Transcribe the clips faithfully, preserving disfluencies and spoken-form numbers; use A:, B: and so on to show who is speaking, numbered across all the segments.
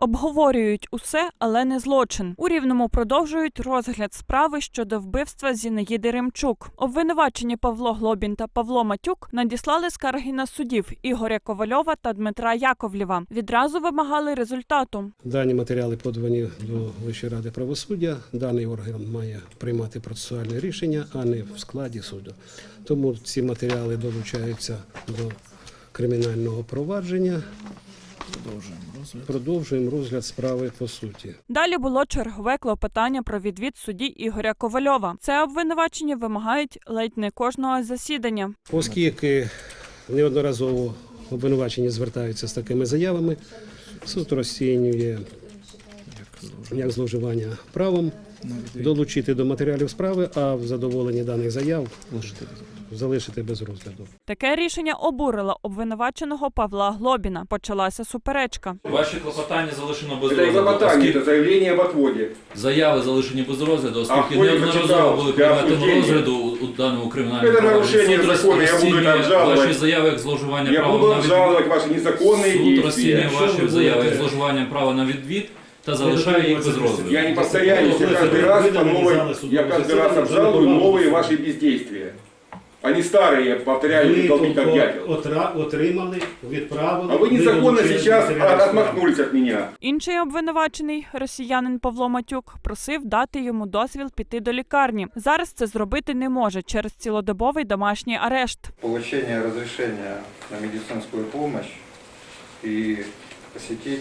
A: Обговорюють усе, але не злочин. У Рівному продовжують розгляд справи щодо вбивства Зінаїди Ремчук. Обвинувачені Павло Глобін та Павло Матюк надіслали скарги на суддів Ігоря Ковальова та Дмитра Яковлєва. Відразу вимагали результату.
B: Дані матеріали подані до Вищої ради правосуддя. Даний орган має приймати процесуальне рішення, а не в складі суду. Тому ці матеріали долучаються до кримінального провадження. Продовжуємо розгляд. Продовжуємо розгляд справи по суті.
A: Далі було чергове клопотання про відвід судді Ігоря Ковальова. Це обвинувачення вимагають ледь не кожного засідання.
B: Оскільки неодноразово обвинувачені звертаються з такими заявами, суд розцінює як зловживання правом, долучити до матеріалів справи, а в задоволенні даних заяв залишити без розгляду.
A: Таке рішення обурило обвинуваченого Павла Глобіна. Почалася суперечка.
C: Ваші клопотання залишено без
D: Це не
C: розгляду.
D: клопотання, це заявлення об отводі.
C: Заяви залишені без розгляду, оскільки
D: А,
C: неодноразово були
D: для
C: предметом
D: осуждення.
C: розгляду у, у даному кримінальному
D: Це
C: провадженні.
D: нарушення
C: Суд
D: закону, я буду
C: розцінює
D: обжалувати.
C: ваші заяви як зловживання
D: Я
C: права
D: буду
C: на відвід.
D: обжалувати ваші незаконні
C: Суд
D: дії.
C: розцінює
B: Що ви
C: ваші заяви як
B: будете?
C: зловживання права на відвід та залишає їх без розгляду.
D: Я не повторяюсь, я каждый раз по новой, я каждый раз обжалую новые ваши бездействия. Они старые, повторяю,
B: Ви
D: долбить как дятел.
B: отра- отримали, відправили.
D: А вы незаконно
B: долучили
D: сейчас
B: матеріали справи.
D: отмахнулись от меня.
A: Інший обвинувачений, росіянин Павло Матюк, просив дати йому дозвіл піти до лікарні. Зараз це зробити не може через цілодобовий домашній арешт.
E: Получение разрешения на медицинскую помощь и посетить.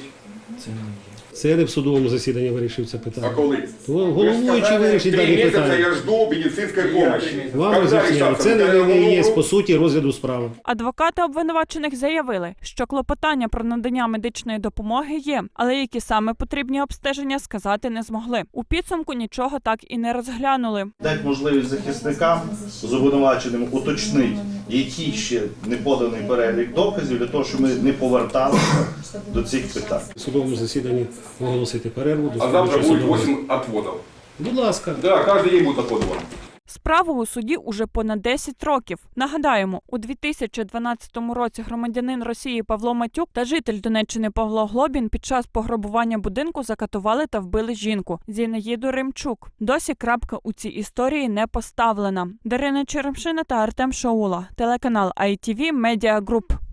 B: Це не в судовому засіданні вирішив це
D: А
B: питання.
D: коли?
B: Головуючий вирішить
D: Три
B: дані
D: месяца
B: питання.
D: я жду медицинской помощи.
B: Вам
D: Когда
B: роз'яснили,
D: решаться?
B: це не,
D: Когда
B: не
D: я
B: є
D: умру?
B: по суті розгляду справи.
A: Адвокати обвинувачених заявили, що клопотання про надання медичної допомоги є, але які саме потрібні обстеження сказати не змогли. У підсумку нічого так і не розглянули.
F: Дать можливість захисникам з обвинуваченим уточнити, який ще не поданий перелік доказів, для того, щоб ми не поверталися до цих питань.
B: В судовому засіданні оголосити перерву. до
D: А завтра
B: слідчого
D: будет
B: судового.
D: восемь отводов.
B: Будь ласка.
D: Да, каждый день будет отвод вам.
A: Справу у суді уже понад десять років. Нагадаємо, у дві тисячі дванадцятому році громадянин Росії Павло Матюк та житель Донеччини Павло Глобін під час пограбування будинку закатували та вбили жінку Зінаїду Ремчук. Досі крапка у цій історії не поставлена. Дарина Черемшина та Артем Шаула. Телеканал ай ті ві Медіа Груп.